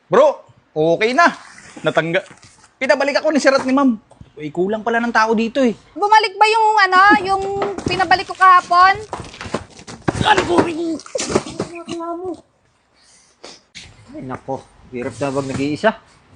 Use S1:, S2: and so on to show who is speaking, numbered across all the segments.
S1: Bro, okay na. Pinabalik ako ni Sir at ni Ma'am. Uy, kulang pala ng tao dito eh.
S2: Bumalik ba yung yung pinabalik ko kahapon?
S1: Ano ko rin?
S3: Ay, nako. Hirap na bang nag-iisa?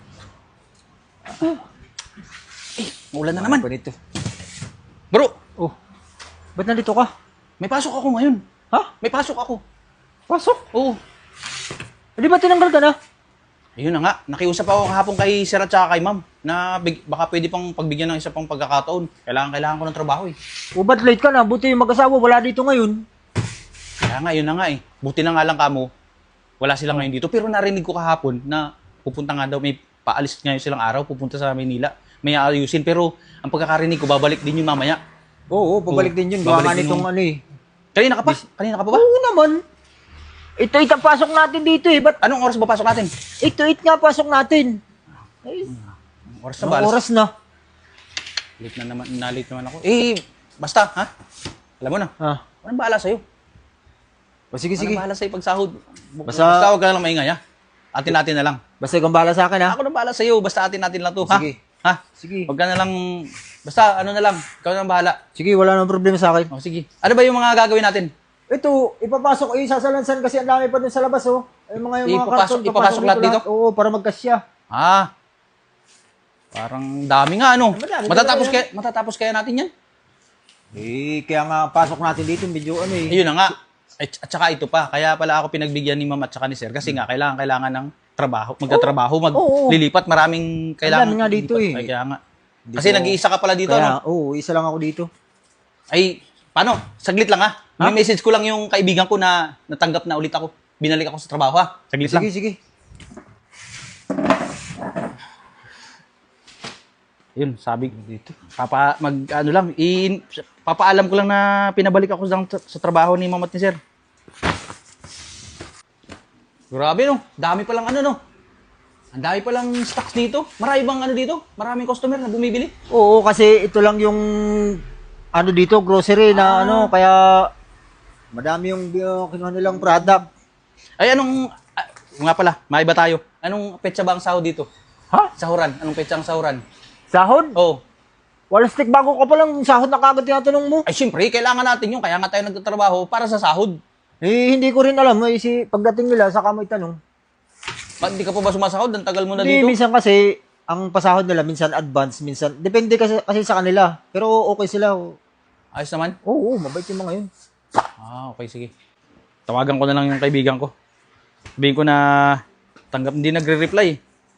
S1: Maulan na naman.
S3: Ano pa nito?
S1: Bro,
S3: Oh, ba't nandito ka?
S1: may pasok ako ngayon.
S3: Ha?
S1: May pasok ako.
S3: Pasok?
S1: Oo.
S3: Di ba tinanggal ka na?
S1: Ayun na nga, nakiusap ako kahapon kay Sir at saka kay Ma'am na baka pwede pang pagbigyan ng isa pang pagkakataon. Kailangan ko ng trabaho eh.
S3: O ba't late ka na? Buti yung mag-asawa wala dito ngayon.
S1: Kaya nga, yun na nga eh. Buti na nga lang kamo, wala sila ngayon dito. Pero narinig ko kahapon na pupunta nga daw, may paalis ngayon silang araw, pupunta sa Maynila. May aayusin, pero ang pagkakarinig ko, babalik din yun mamaya.
S3: Oo, pabalik din yun.
S1: Babalik
S3: Gawa nga
S1: din
S3: nitong
S1: yung-
S3: ano eh.
S1: Kanina ka pa? Kanina ka pa ba?
S3: Oo naman. Ito ang pasok natin dito eh. Ba't
S1: Anong oras ba pasok natin?
S3: 8 nga pasok natin? Ay,
S1: Anong oras na
S3: anong
S1: ba?
S3: oras na?
S1: Late na naman, na-late naman ako. Eh, basta, ha? Alam mo na,
S3: Ha?
S1: anong bahala sa'yo?
S3: O sige,
S1: Sige.
S3: sige.
S1: Bahala sa'yo pag sahod.
S3: Basta-
S1: huwag ka na lang maingay, ha? Atin-atin na lang.
S3: Basta ikaw bahala sa akin ha?
S1: Ako na bahala sa'yo, basta atin-atin lang to, ha?
S3: Sige.
S1: Ha?
S3: Sige.
S1: Huwag ka na lang, basta ano na lang, ikaw na lang bahala.
S3: Sige, wala nang problema sa akin.
S1: O, sige. Ano ba yung mga gagawin natin?
S3: Ito, ipapasok, sasalansan kasi ang dami pa dun sa labas, oh. Yung mga karton,
S1: Ipapasok lahat dito?
S3: Oo, para magkasya.
S1: Ah, parang dami nga, ano?
S3: Madami
S1: Matatapos kaya natin yan?
S3: Eh, kaya nga pasok natin dito, medyo ano eh.
S1: Ayun na nga. At saka ito pa, kaya pala ako pinagbigyan ni Ma'am at saka ni Sir kasi nga kailangan ng trabaho, magtatrabaho,
S3: Oo.
S1: maglilipat, maraming kailangan.
S3: Ang dami nga dito
S1: lilipat.
S3: eh.
S1: Ay, kaya nga.
S3: Hindi
S1: Kasi
S3: ko-
S1: nag-iisa ka pala dito,
S3: Kaya,
S1: no?
S3: oo, isa lang ako dito.
S1: Ay, paano? Saglit lang, ha? May message ko lang yung kaibigan ko na natanggap na ulit ako. Binalik ako sa trabaho, ha? Saglit lang.
S3: Sige, sige.
S1: Yun, sabi dito. Papaalam ko lang na pinabalik ako sa trabaho ni Ma'am at ni Sir. Grabe, no? Dami palang ano, no? Ang dami palang stocks dito. Marami bang ano dito? Maraming customer na bumibili.
S3: Oo, kasi ito lang yung ano dito, grocery na ano, kaya madami yung kinuha nilang product.
S1: Ay, nga pala, maiba tayo. Anong petsa ba ang sahod dito?
S3: Ha?
S1: Sahuran. Anong petsa ang sahuran?
S3: Sahod?
S1: Oh.
S3: Walang stick bago ka palang sahod na kagad tinatanong mo.
S1: Ay, syempre, kailangan natin yun. Kaya nga tayo nagtatrabaho para sa sahod.
S3: Eh, hindi ko rin alam. Eh, pagdating nila, saka mo itanong.
S1: Ba't di ka pa ba sumasahod? Ang tagal mo na
S3: Hindi,
S1: dito.
S3: minsan kasi, ang pasahod nila, minsan advance, minsan, depende kasi sa kanila. Pero okay sila.
S1: Ayos naman.
S3: Oo, mabait yung mga yun.
S1: Ah, okay, sige. Tawagan ko na lang yung kaibigan ko. Sabihin ko na hindi nagre-reply.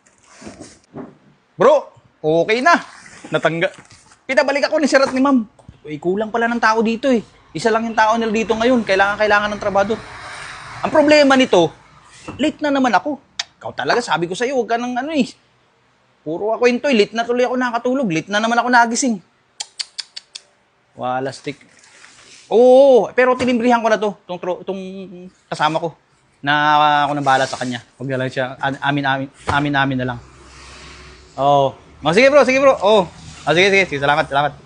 S1: Bro, okay na. Pinabalik ako ni Sir at ni Ma'am. Uy, kulang pala ng tao dito eh. Isa lang yung tao nila dito ngayon. Kailangan ng trabaho. Ang problema nito, late na naman ako. Ikaw talaga, sabi ko sa'yo, huwag ka ng ano eh. Puro ako yun to eh. Late na tuloy ako nakatulog. Late na naman ako nagising. Wala stick. Oo, pero tinimbrihan ko na to, itong kasama ko. Na ako nang bahala sa kanya. Huwag na lang siya, amin na lang. Oo. Oh, sige bro. Oo. Oh, sige. Salamat.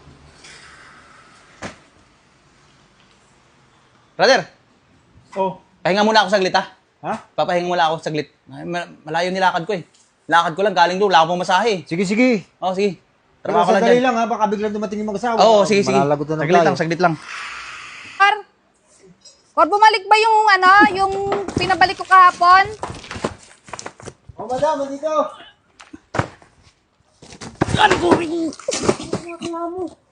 S1: Brother.
S3: Oh.
S1: Pahinga muna ako saglit, ha?
S3: Ha?
S1: Papahinga muna ako saglit. Malayo nilakad ko eh. Lakad ko lang, galing doon, wala akong masahe.
S3: Sige, sige.
S1: Oo, sige.
S3: Pero
S1: Trabaho ko lang
S3: sandali
S1: dyan.
S3: lang ha, baka biglang dumating yung mag-asawa.
S1: Oo, sige.
S3: Malalagot na
S1: Saglit lang.
S2: Or bumalik ba yung yung pinabalik ko kahapon?
S3: Oh, madam, dito.
S1: Ano ko rin?
S3: Ano mo?